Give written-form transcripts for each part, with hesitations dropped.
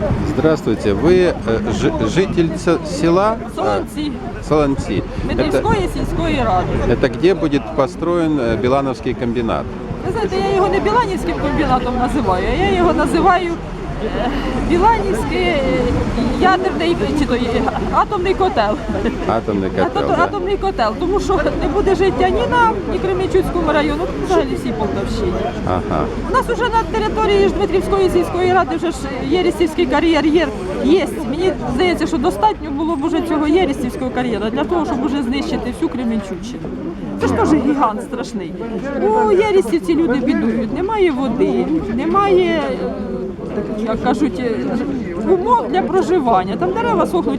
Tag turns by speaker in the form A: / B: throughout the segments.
A: Здравствуйте. Вы житель села
B: Солонці,
A: Солонці.
B: Медвівської сільської ради.
A: Это где будет построен Билановский комбинат?
B: Ви знаєте, я його не Біланівським комбінатом називаю, а я його називаю Біланівський ядерний чи то атомний котел.
A: Атомный котел, да?
B: Атомний котел, тому що не буде життя ні нам, ні Кременчуцькому району, взагалі всій Полтавщині.
A: Ага.
B: У нас вже на території Дмитрівської сільської ради вже ж Єрістівський кар'єр є. Мені здається, що достатньо було б уже цього Єрістівського кар'єра для того, щоб уже знищити всю Кременчуччину. Це ж теж гігант страшний. У Єрістівці люди бідують, немає води, немає, як кажуть, умов для проживання. Там дерева сохнуть,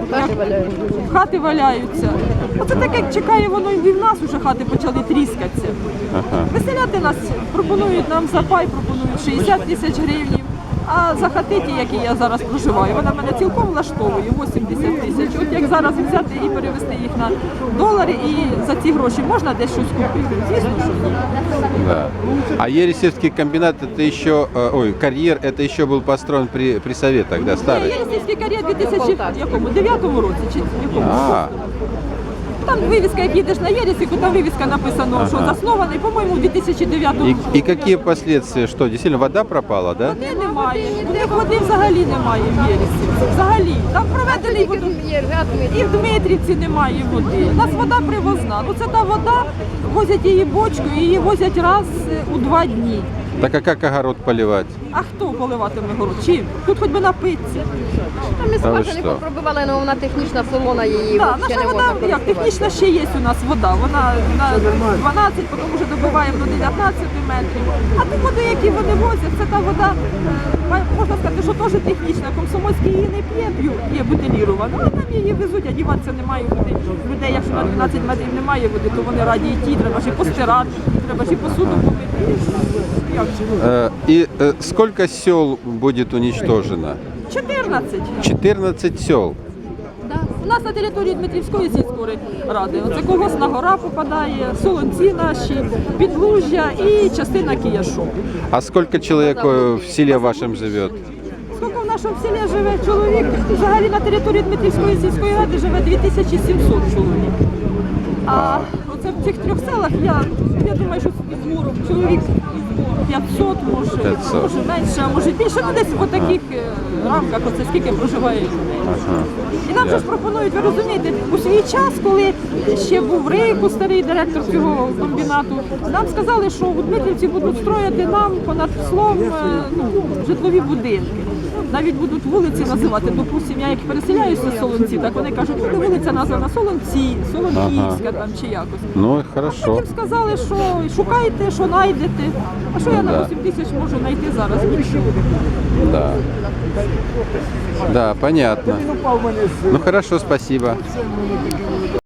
B: хати валяються. Оце так, як чекає воно і в нас вже хати почали тріскатися.
A: Ага.
B: Виселяти нас пропонують нам за пай, пропонують 60 тисяч гривень. А за хатиті, які я зараз проживаю, вона мене цілком влаштовує, 80 тисяч. От як зараз взяти і перевести їх на долари, і за ці гроші можна десь щось купити? Звісно, що ні.
A: Да. А Ересевский комбинат, это еще, карьер, это еще был построен при советах, да, старый?
B: Єрістівський кар'єр у 2009 році чи якому?
A: А,
B: Там вивіска, як їдеш на Єрістівку, там вивіска написано, що заснований, по-моєму, у 2009 році.
A: и какие последствия? Что, действительно вода пропала, да?
B: Води немає, у них води взагалі немає в Єрістівці, взагалі. Там проведений і в Дмитрівці немає води. У нас вода привозна. Ну це та вода, возять її бочку, і її возять раз у 2 дні.
A: Так а как огород поливать?
B: А хто поливатиме город? Чим? Тут хоч би напитися.
C: Там і
A: Та ви
C: скважини
A: що?
C: попробували, але вона технічна солона, її
B: Так,
C: взагалі
B: наша
C: не
B: вода,
C: можна
B: як технічна ще є у нас вода. Вона на 12, потім вже добиваємо до 19 метрів. А ту воду, які вони возять, це та вода, можна сказати, що теж технічна. Комсомольські її не п'є, є бутилірована, а там її везуть, а діватися немає води. Людей, якщо на 12 метрів немає води, то вони раді йти, треба ж і постирати, треба ж і посуду помити. Як же?
A: И сколько сел будет уничтожено?
B: 14.
A: 14 сел.
B: У нас на території Дмитрівської сільської ради. Оце Колгосна гора попадає, Солонці наші, Підлужжя і частина Кияшу.
A: А сколько человек в селе вашем живет?
B: Скільки в нашому селі живе чоловік? Взагалі на території Дмитрівської сільської ради живе 2700 чоловік. А оце в цих 3 селах я думаю, що чоловік 500, може менше, а може більше, ну десь в таких рамках, оце скільки проживає людей.
A: Ага.
B: І нам же ж пропонують, ви розумієте, у свій час, коли ще був Рейку, старий директор цього комбінату, нам сказали, що у Дмитрівці будуть строїти нам понад слом житлові будинки. Навіть будуть вулиці називати. Допустим, я як переселяюся з Солонці, так вони кажуть, буде вулиця названа Солонці, Солонківська там чи якось.
A: Ну, хорошо.
B: Потім сказали, що шукайте, що знайдете. А що я на 8 тисяч можу знайти зараз? Нічого.
A: Да. Да, понятно. Ну, хорошо, спасибо.